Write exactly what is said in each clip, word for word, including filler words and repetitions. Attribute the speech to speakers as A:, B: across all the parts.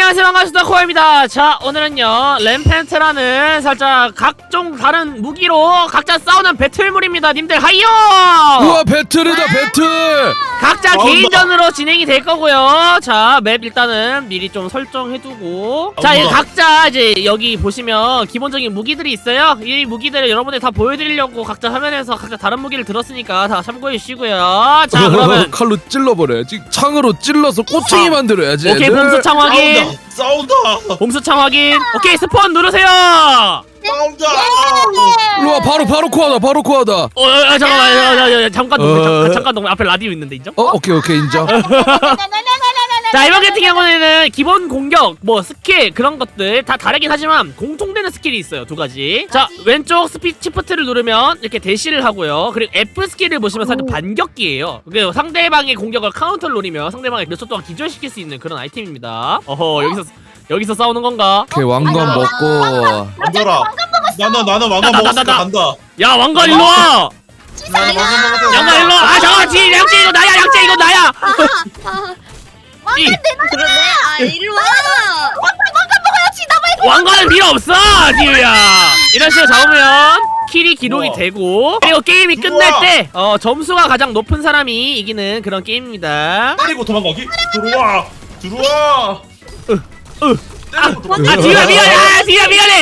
A: 안녕하세요, 반갑습니다. 코아입니다. 자, 오늘은요 램펜트라는 살짝 각종 다른 무기로 각자 싸우는 배틀물입니다. 님들 하이요!
B: 우와, 배틀이다 배틀!
A: 각자 개인전으로 진행이 될 거고요. 자, 맵 일단은 미리 좀 설정해두고, 자, 이 각자 이제 여기 보시면 기본적인 무기들이 있어요. 이 무기들을 여러분들 다 보여드리려고 각자 화면에서 각자 다른 무기를 들었으니까 다 참고해 주시고요. 자, 그러면
B: 칼로 찔러버려야지. 창으로 찔러서 꼬챙이 만들어야지.
A: 오케이,
B: 애들.
A: 봄수창 확인.
C: 싸운다!
A: 봄수창 확인. 오케이, 스폰 누르세요.
C: 싸운다!
B: 일로와, 바로 바로 코하다 바로 코하다.
A: 어, 어, 어 잠깐만, 어, 어, 어, 잠깐 동네,
B: 어.
A: 잠깐, 잠깐 동네. 앞에 라디오 있는데 인정?
B: 어, 오케이 오케이 인정.
A: 자, 이번 같은 경우에는 기본 공격, 뭐 스킬 그런 것들 다 다르긴 하지만 공통되는 스킬이 있어요. 두 가지. 자, 왼쪽 스피 시프트를 누르면 이렇게 대시를 하고요. 그리고 F 스킬을 보시면 살짝 반격기예요. 그리고 상대방의 공격을 카운터를 노리며 상대방을 몇 초 동안 기절시킬 수 있는 그런 아이템입니다. 어허, 여기서 여기서 싸우는 건가?
B: 오케이, 왕관 먹고.
C: 안더라! 나는 나는 왕관
A: 나, 나,
C: 먹었으니까
A: 나, 나.
C: 간다!
A: 야, 왕관 일로 와.
C: 나는 왕관 먹었어!
A: 양관 일로 와. 아, 잠깐만, 뒤 양재 이거 나야, 양재 이거 나야. 이
D: 그러네. 아 일로 와.
A: 왕관은 필요 없어, 디유야. 이런 식으로 잡으면 킬이 기록이
C: 우와.
A: 되고, 그리고 게임이 끝날
C: 우와.
A: 때 어, 점수가 가장 높은 사람이 이기는 그런 게임입니다.
C: 때리고 도망가기? 들어와! 들어와!
A: 으.
C: 때리고 도망가!
A: 아, 디유야 미안해. 아, 디유야 미안해.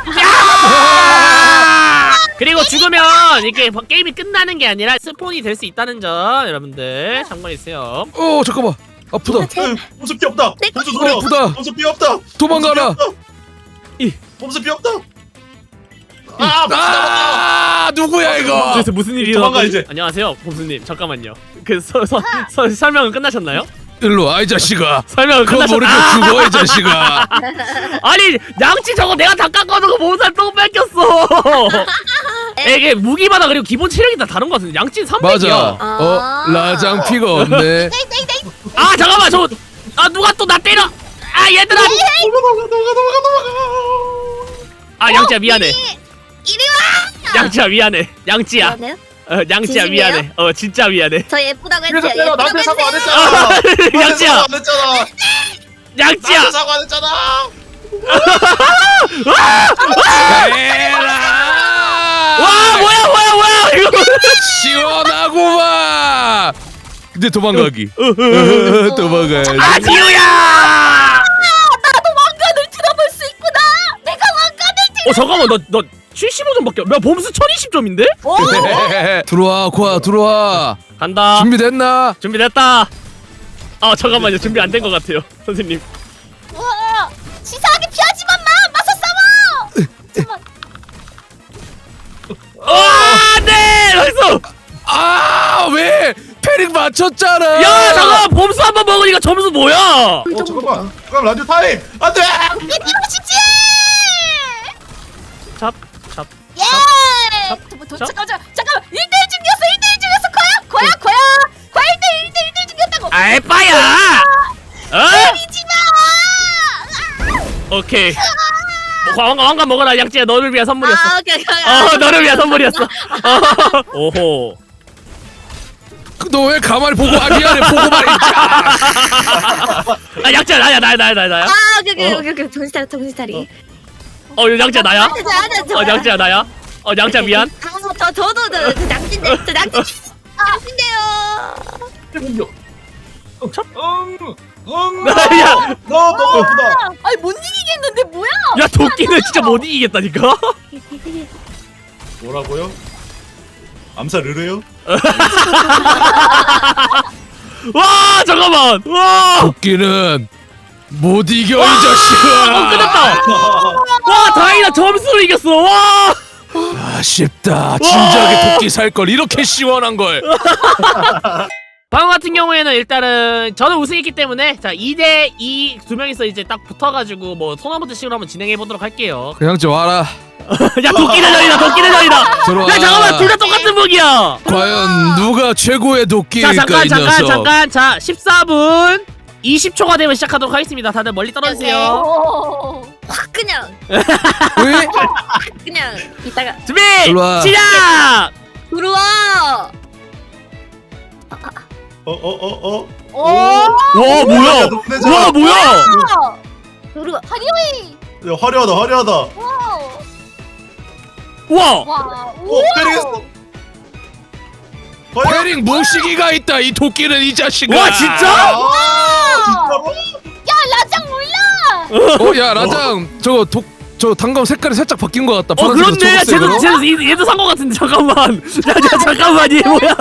A: 야! 그리고 죽으면 이렇게 게임이 끝나는 게 아니라 스폰이 될 수 있다는 점 여러분들 참고해주세요.
B: 어, 잠깐만. 아프다.
C: 봄수 피 없다! 봄수 노려!
B: 아프다.
C: 봄수 피 없다!
B: 도망가라.
A: 이.
C: 봄수 피 없다! 아! 봄수 남았다!
B: 아, 누구야 이거?
A: 그래서 무슨 일이
C: 도망가,
A: 일어났지?
C: 이제.
A: 안녕하세요, 봄수님. 잠깐만요. 그 서, 서, 서, 설명은 끝나셨나요?
B: 일로 와, 이 자식아.
A: 설명은
B: 그거
A: 끝나셨...
B: 모르게 죽어, 이 자식아.
A: 아니, 양치 저거 내가 다 깎아놓고 몸살 또 뺏겼어. 이게 무기마다 그리고 기본 체력이 다 다른 것 같은데 양치는 삼백이야.
B: 맞아. 어, 라장 피가 없네.
A: 아, 잠깐만, 저, 아, 누가 또 나 때려. 아, 얘들아.
C: 도망가! 도망가! 도망가! 도망가!
A: 아, 양치야 미안해.
D: 이리 와.
A: 양치야 미안해. 양치야.
D: 그러네요.
A: 어, 양치야
D: 진심이에요?
A: 미안해. 어, 진짜 미안해.
D: 저 예쁘다고
C: 그래서
D: 했죠.
C: 내가 나한테
D: 예쁘다고
C: 사과 안
D: 했어요.
C: 했잖아! 나한테
A: 양치야.
C: 사과 안 했잖아!
A: 양치야.
C: 나한테 사과 안 했잖아!
B: 에라.
A: 와, 뭐야, 뭐야, 뭐야, 이거.
B: 시원하구만. 근데 도망가기.
A: 어,
B: 도망가야지.
A: 아, 디우야.
D: 왕관을 들어볼 수 있구나. 내가 왕관을 들.
A: 어, 잠깐만, 너, 너 칠십오 점밖에. 야, 범수 천이십 점인데?
B: 들어와, 코아 들어와.
A: 간다.
B: 준비됐나?
A: 준비됐다. 아, 잠깐만요. 준비 안 된 것 같아요, 선생님.
D: 와. 치사하게 피하지만 마. 맞서 싸워.
A: 아, 네, 나이스.
B: 아, 왜? 패링 맞췄잖아.
A: 야, 잠깐만, 범수 한 번 먹으니까 점수 뭐야?
C: 어 잠깐만! 그럼 라디오 타임! 안돼!
D: 이러시지.
A: 잡, 잡.
D: 예.
A: 잡,
D: 도-
A: 잡.
D: 잠깐 잠깐 잠깐. 일 대일 중이었어. 일 대일 중이었어. 거야 거야 거야. 거야 일 대일 일 대일 일 대일 중이었다고.
A: 아, 에빠야. 어?
D: 때리지 마.
A: 오케이. 뭐, 왕관, 왕관 먹어라. 양찌야, 너를 위한 선물이었어.
D: 아 오케이 오케이.
A: 어, 너를 위한 선물이었어. 어. 오호.
B: 너 왜 가만히 보고? 아, 미안해, 보고 말했지.
A: 아, 양찌야, 나야, 나야, 나야, 나야, 나야.
D: 아 오케이 오케이
A: 어.
D: 오케이 오케이. 정신 차려 정신 차리.
A: 어, 양찌야, 나야.
D: 어
A: 어, 양찌야, 나야. 어, 양찌야, 미안.
D: 아, 저 저도 저, 저 낭진데 저 낭진 낭진데요.
A: 참?
C: 응! 응!
A: 야.
C: 너 너무 예쁘다!
D: 아니 못 이기겠는데 뭐야?
A: 야, 도끼는 진짜 못 이기겠다니까?
C: 뭐라고요? 암살 르르요?
A: 와, 잠깐만. 와.
B: 도끼는 못 이겨, 이
A: 어,
B: 자식아.
A: 끝났다. 와, 다행이다. 점수로 이겼어. 와.
B: 아쉽다. 진작에 도끼 살 걸. 이렇게 시원한 걸.
A: 방금 같은 경우에는 일단은 저는 우승했기 때문에 자, 이 대 이 두 명이서 이제 딱 붙어가지고 뭐 토너먼트 식으로 한번 진행해 보도록 할게요.
B: 그냥 좀 와라.
A: 야, 도끼 대전이다. 도끼 대전이다.
B: 들어와.
A: 야, 잠깐만, 둘 다 똑같은 무기야.
B: 과연 누가 최고의
A: 자,
B: 도끼일까,
A: 잠깐,
B: 이
A: 잠깐,
B: 녀석.
A: 잠깐. 자, 십사 분 이십 초가 되면 시작하도록 하겠습니다. 다들 멀리 떨어주세요.
D: 확 그냥
B: 왜?
D: 그냥 이따가
A: 준비,
B: 일로와.
A: 시작.
D: 들어와.
C: 어 어 어 어?
D: 오.
A: 와, 뭐야? 와, 뭐야?
D: 화려해.
C: 야 화려하다 화려하다.
D: 와.
A: 와.
D: 와.
C: 오 패링했어. 과연?
B: 패링 무시기가 있다 이 도끼는 이 자식아.
A: 와 진짜?
C: 아 진짜로?
D: 야 라장 몰라.
B: 어 야 라장 저거 독 저 단검 색깔이 살짝 바뀐 것 같다.
A: 어
B: 파란색에서
A: 그렇네. 야, 쟤도
B: 초록색으로.
A: 쟤도 얘- 얘도 산 거 같은데 잠깐만. 야, 야 잠깐만 얘 뭐야?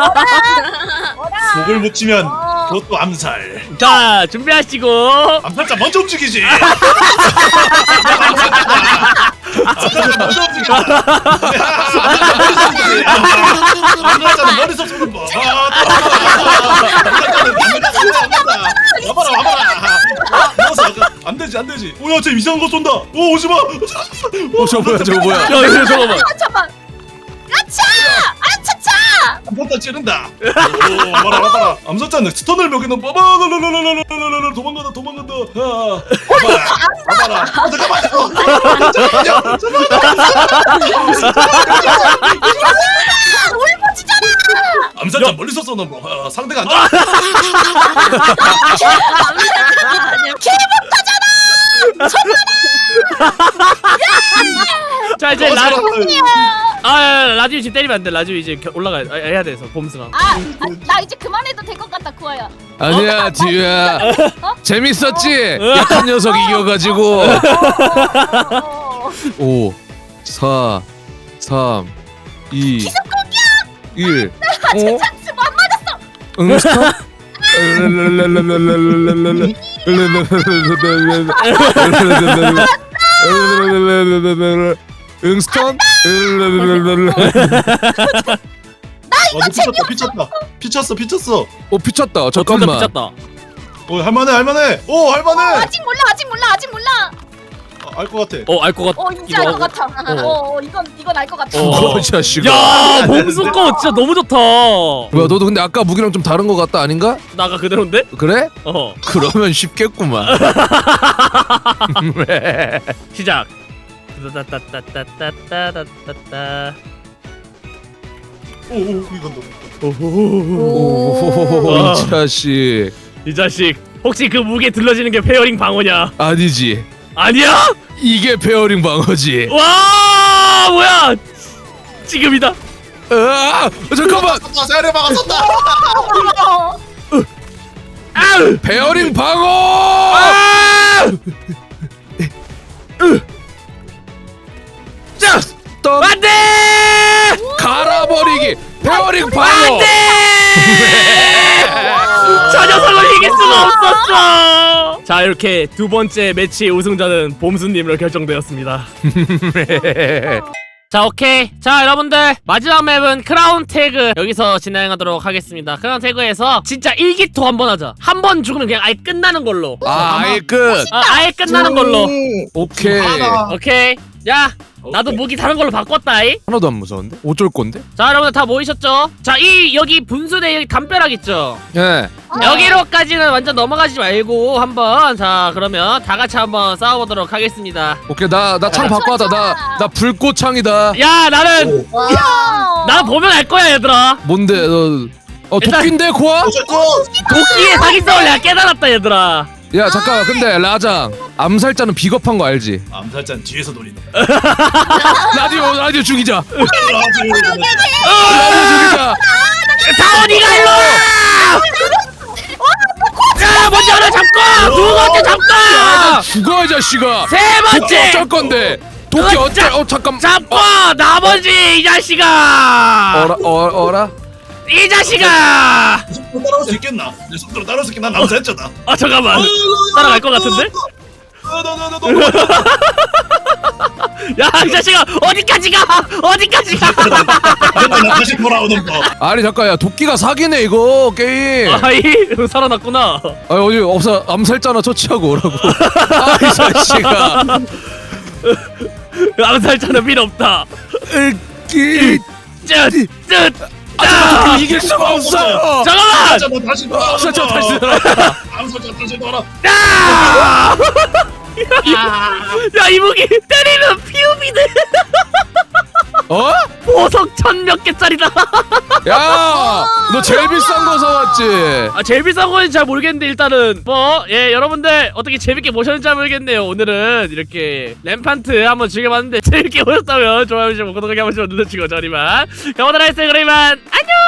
C: 목을 묻히면
D: 어.
C: 그것도 암살.
A: 자 준비하시고.
C: 암살자 먼저 움직이지. 암살자 먼저 움직이지. 암살자는 머리서 쏘는 거. 아, 와봐라 와봐라. 안 되지 안 되지. 오야 쟤 이상한 거 쏜다. 오 오지 마.
B: 어 저거 뭐야 저거 뭐야.
A: 야 이거 잠깐만.
D: 아 잠깐. 아차. 아차차.
C: 암살자 찌른다. 오 와봐라 와봐라. 암살자는 스턴을 먹이는 봐봐. 랄랄랄랄랄랄랄랄랄. 도망간다 도망간다. 아, 와봐라 와봐라. 어, 잠깐만. 잠깐만요.
D: 울부짖잖아.
C: 암살자 멀리서 쏘는 거. 아, 상대가 안 좋아.
A: 자 이제
C: 어,
A: 라.
C: 살았다.
A: 아 야, 야, 라디오 지금 때리면 안 돼. 라디오 이제 겨- 올라가 아, 해야 돼서 봄승아.
D: 아, 아, 나 이제 그만해도 될 것 같다 구아야.
B: 아니야 디유야.
D: 어?
B: 재밌었지? 약한 녀석 이겨가지고.
D: 어.
B: 오, 사, 삼, 이, 일. 어?
D: 찬스 못 맞았어.
B: 응 스톱. 응스턴.
C: 어, 피쳤다 피쳤다 피쳤어 피쳤어.
B: 오 피쳤다.
A: 어,
B: 잠깐만.
A: 미쳤다.
C: 오 할만해 할만해. 오 할만해.
D: 아직 몰라 아직 몰라 아직 몰라.
C: 알 것 같아.
A: 어 알 것 같.
D: 어 이제 알 것 같아. 어, 어 이건 이건 알 것 같아.
A: 어.
B: 어, 자식아.
A: 야 봄승 거 진짜 너무 좋다.
B: 뭐야 너도 근데 아까 무기랑 좀 다른 것 같다 아닌가?
A: 나가 그대로인데?
B: 그래?
A: 어
B: 그러면 쉽겠구만.
A: 시작. 따따따따따따따따따.
C: 오오 이건 너.
B: 오, 이 자식.
A: 이 자식 혹시 그 무게 들러지는 게 페어링 방어냐?
B: 아니지.
A: 아니야?
B: 이게 페어링 방어지.
A: 와 뭐야? 지금이다.
B: 아, 잠깐만.
C: 쏜다 세례 막았었다.
A: 아우!
B: 페어링 방어.
A: 아!
B: 자, 떡
A: 안돼!
B: 갈아버리기. 페어링 방어.
A: 안돼! 저 녀석을 이길 수가 없었어. 자 이렇게 두 번째 매치의 우승자는 봄수님으로 결정되었습니다. 자 오케이 자 여러분들 마지막 맵은 크라운 태그 여기서 진행하도록 하겠습니다. 크라운 태그에서 진짜 일기토 한번 하자. 한 번 죽으면 그냥 아예 끝나는 걸로.
B: 아, 아예 끝.
A: 아, 아예 끝나는 걸로.
B: 오케이.
C: 하나.
A: 오케이 야 나도 무기 다른 걸로 바꿨다이.
B: 하나도 안 무서운데? 어쩔 건데?
A: 자 여러분들 다 모이셨죠? 자 이 여기 분수대 여기 담벼락 있죠?
B: 예.
A: 여기로까지는 완전 넘어가지 말고 한번 자 그러면 다 같이 한번 싸워보도록 하겠습니다.
B: 오케이 나 나 창 바꿔 하다. 나 나 불꽃 창이다.
A: 야 나는
D: 와.
A: 나 보면 알 거야 얘들아.
B: 뭔데 너? 어
A: 일단-
B: 도끼인데 고아?
A: 도끼의 사기성을 내가 깨달았다 얘들아.
B: 야 잠깐 근데 라장 암살자는 비겁한 거 알지?
C: 암살자는 뒤에서 노리는.
B: 라디오 라디오 죽이자.
A: 어!
B: 라디오 죽이자.
A: 다원이가 일로 와! 야 먼저 하나 잡고 두 번째 잡고
B: 죽어 이 자식아.
A: 세
B: 도끼
A: 번째
B: 어쩔 건데? 도끼
A: 어,
B: 어쩔? 어 잠깐.
A: 잡고 나머지 이 자식아
B: 어라 어 어라?
A: 이 자식아
C: 내 속도로 따라올 수 있겠나? 내 속도로 따라올 수 있겠나? 난 암살자다.
A: 아 잠깐만 따라갈 것 같은데? 야 이 자식아 어디까지 가 어디까지 가
C: 나 다시 돌아오는 거.
B: 아니 잠깐 야 도끼가 사기네 이거 게임.
A: 아이 살아났구나.
B: 아 어디 없어 암살자나 처치하고 오라고. 아 이 자식아.
A: 암살자는 필요 없다.
B: 으끼.
A: 쯧쯧
B: 아 이길 수가 없어요.
A: 잠깐만
C: 암살자 다시 돌아.
B: 암살자 다시 돌아.
C: 암살자 다시 돌아.
A: 야! 야, 이 무기 때리면 피우비네.
B: 어?
A: 봄 보석 천 몇 개짜리다.
B: 야, 너 제일 비싼 거 사왔지?
A: 아 제일 비싼 거는 잘 모르겠는데 일단은 뭐 예 여러분들 어떻게 재밌게 보셨는지 모르겠네요. 오늘은 이렇게 램판트 한번 즐겨봤는데 재밌게 보셨다면 좋아요, 구독하기 한 번씩 눌러주시고 저희만 가보도록 하겠습니다. 그러면 안녕.